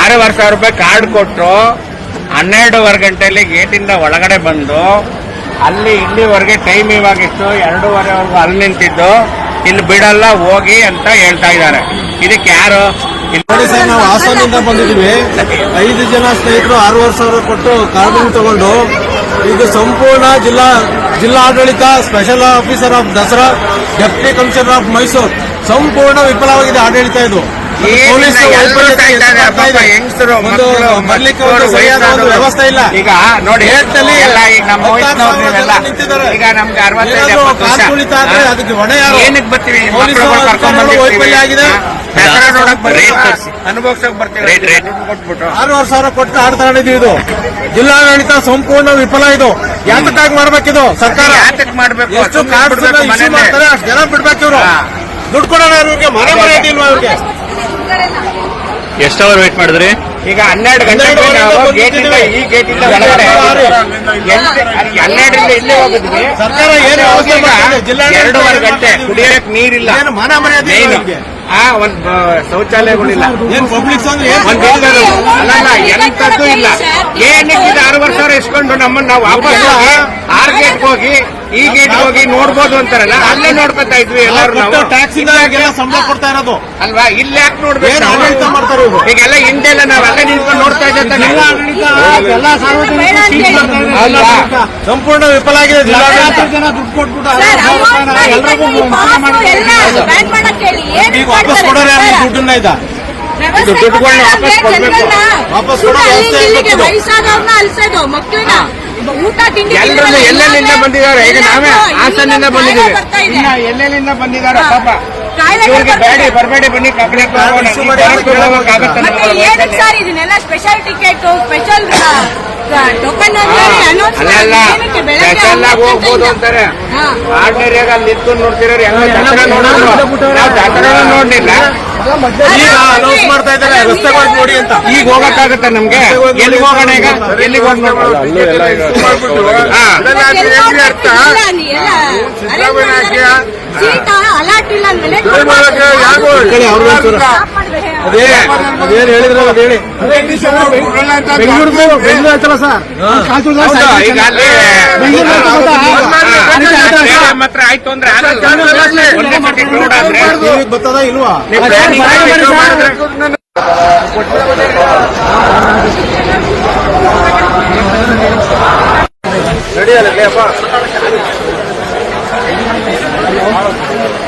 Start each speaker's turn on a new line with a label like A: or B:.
A: 6,500 ರೂಪಾಯಿ ಕಾರ್ಡ್ ಕೊಟ್ಟರು. 12:15 ಗಂಟೆಯಲ್ಲಿ ಗೇಟಿಂದ ಒಳಗಡೆ ಬಂದು ಅಲ್ಲಿ ಇಲ್ಲಿವರೆಗೆ ಟೈಮ್ ಇವಾಗಿತ್ತು 2:15ವರೆಗೂ ಅಲ್ಲಿ ನಿಂತಿದ್ದು. ಇಲ್ಲಿ ಬಿಡಲ್ಲ ಹೋಗಿ ಅಂತ ಹೇಳ್ತಾ ಇದ್ದಾರೆ. ಇದಕ್ಕೆ ಯಾರು?
B: ನೋಡಿ ಸರ್, ನಾವು ಹಾಸನದಿಂದ ಬಂದಿದ್ದೀವಿ. 5 ಜನ ಸ್ನೇಹಿತರು 6,500 ಕೊಟ್ಟು ಕಾರ್ಡ್ ತಗೊಂಡು ಇದು ಸಂಪೂರ್ಣ ಜಿಲ್ಲಾಡಳಿತ, special officer of Dasara, deputy commissioner of Mysuru ಸಂಪೂರ್ಣ ವಿಫಲವಾಗಿದೆ ಆಡಳಿತ. ಇದು ಪೊಲೀಸ್ ಬರ್ಲಿಕ್ಕೆ ಒಂದು ಸರಿಯಾದ ಒಂದು ವ್ಯವಸ್ಥೆ ಇಲ್ಲ.
A: ಈಗ ನೋಡಿ, ಈಗ ನಮ್ಗೆ 65
B: ಅದಕ್ಕೆ ಹೊಣೆ ಯಾರು?
A: ಏನಕ್ಕೆ ಬರ್ತೀವಿ?
B: ವೈಫಲ್ಯ ಆಗಿದೆ.
A: ಅನುಭವಿಸಕ್ ಬರ್ತೀವಿ.
B: 6,500 ಕೊಟ್ಟು ಆಡ್ ತಗೊಂಡಿದ್ದೀವಿ. ಇದು ಜಿಲ್ಲಾಡಳಿತ ಸಂಪೂರ್ಣ ವಿಫಲ. ಇದು ಯಾತಕ್ಕಾಗಿ ಮಾಡ್ಬೇಕಿದು ಸರ್ಕಾರ?
A: ಯಾತಕ್ ಮಾಡ್ಬೇಕು?
B: ಎಷ್ಟು ಕಾರ್ಡ್ ಇಶ್ಯೂ ಮಾಡ್ತಾರೆ ಅಷ್ಟು ಜನ ಬಿಡ್ಬೇಕು. ಇವರು ದುಡ್ಡು ಕೊಡೋಣ ಅವ್ರಿಗೆ, ಮನೆ ಮರ್ಯಾದೆ ಇಲ್ವಾ ಅವ್ರಿಗೆ?
C: ಎಷ್ಟು ಅವರ್ ವೇಟ್ ಮಾಡಿದ್ರಿ?
A: ಈಗ 12 ಗಂಟೆಗೆ ನಾವು ಗೇಟಿಂದ ಈ ಗೇಟಿಂದ ಒಳಗಡೆ 12ರಿಂದ ಇಲ್ಲೇ ಹೋಗಿದ್ವಿ.
B: ಸರ್ಕಾರ ಏನು ವ್ಯವಸ್ಥೆ ಮಾಡಿದೆ? ಜಿಲ್ಲಾ
A: 2.5 ಗಂಟೆ ಕುಡಿಯಕ್ಕೆ ನೀರಿಲ್ಲ,
B: ಮನ ಮರ್ಯಾದೆ
A: ಒಂದು ಶೌಚಾಲಯಗಳಿಲ್ಲ,
B: ಏನ್ ಪಬ್ಲಿಕ್
A: ಅಲ್ಲ ಎಂತದ್ದು ಇಲ್ಲ. ಏನಕ್ಕೆ 6,500 ಇಸ್ಕೊಂಡು ನಮ್ಮನ್ನ ನಾವು ವಾಪಸ್ ಹೋಗಿ 6 ಗೇಟ್ಗೆ ಹೋಗಿ ಈ ಗೇಟ್ ಹೋಗಿ ನೋಡ್ಬೋದು ಅಂತಾರಲ್ಲ, ಅಲ್ಲೇ ನೋಡ್ಕೊತಾ ಇದ್ವಿ ಎಲ್ಲರೂ. ನಾವು
B: ಟ್ಯಾಕ್ಸ್ ಸಂಬಳ ಕೊಡ್ತಾ ಇರೋದು
A: ಅಲ್ವಾ? ಇಲ್ಲಿ ಯಾಕೆ ನೋಡ್ಬೇಕು?
B: ಆಡಳಿತ ಮಾಡ್ತಾರೆ ಇವರು.
A: ಈಗೆಲ್ಲ ಹಿಂದೆಲ್ಲ ನಾವ್ ಅಲ್ಲೇ ನಿಂತ್ಕೊಂಡು ನೋಡ್ತಾ ಇದ್ದೆ.
B: ಸಂಪೂರ್ಣ ವಿಫಲ ಆಗಿದೆ ಜಿಲ್ಲಾಡಳಿತ. ಜನ ದುಡ್ಡು ಕೊಟ್ಬಿಟ್ಟು ಈಗ ವಾಪಸ್ ಕೊಡೋರು ಯಾರು? ದುಡ್ಡನ್ನ ಇದ್ದ
A: ದುಡ್ಡುಗಳನ್ನ ವಾಪಸ್ ಕೊಡ್ಬೇಕು.
B: ವಾಪಸ್ ಕೊಡೋ ವ್ಯವಸ್ಥೆ
D: ವಯಸ್ಸಾದವ್ರನ್ನ ಅಲ್ಸೋದು, ಮಕ್ಕಳನ್ನ ಊಟ ತಿಂಡಿ
A: ಎಲ್ಲೆಲ್ಲಿಂದ ಬಂದಿದ್ದಾರೆ. ಈಗ ನಾವೇ ಹಾಸನಿಂದ ಬಂದಿದ್ದೀವಿ. ಇನ್ನ ಎಲ್ಲೆಲ್ಲಿಂದ ಬಂದಿದ್ದಾರೆ ಪಾಪ. ಇವ್ರಿಗೆ ಬೇಡಿ ಬರಬೇಡಿ, ಬನ್ನಿ ಕಬ್ಬಡಿ
D: ಏನಕ್ಕೆ ಸರ್ ಇದನ್ನೆಲ್ಲ special ticket, special token
A: special ಆಗಿ ಹೋಗ್ಬೋದು ಅಂತಾರೆ. ಆರ್ಡಿನರಿಯಾಗಿ ಅಲ್ಲಿ ನಿಂತು ನೋಡ್ತಿರೋರು ಎಲ್ಲ ದಸರಾ ನೋಡೋದು. ನಾವು ದಸರಾ ನೋಡ್ಲಿಲ್ಲ,
B: ಈಗ ಅನೌನ್ಸ್ ಮಾಡ್ತಾ ಇದ್ದಾರೆ ರಸ್ತೆಗಳು ನೋಡಿ ಅಂತ.
A: ಈಗ ಹೋಗಕ್ಕಾಗತ್ತೆ ನಮ್ಗೆ? ಎಲ್ಲಿಗೆ ಹೋಗೋಣ? ಈಗ ಎಲ್ಲಿಗೆ ಹೋಗಿ
B: ಅದೇನು ಹೇಳಿದ್ರೆ ಅದು ಹೇಳಿ. ಬೆಂಗಳೂರು ಆಯ್ತಲ್ಲ ಸರ್?
A: ಈಗ ಅಲ್ಲಿ ಮಾತ್ರ ಆಯ್ತು ಅಂದ್ರೆ
B: ಬರ್ತದ ಇಲ್ವಾ? ರೆಡಿ ಅಲ್ಲ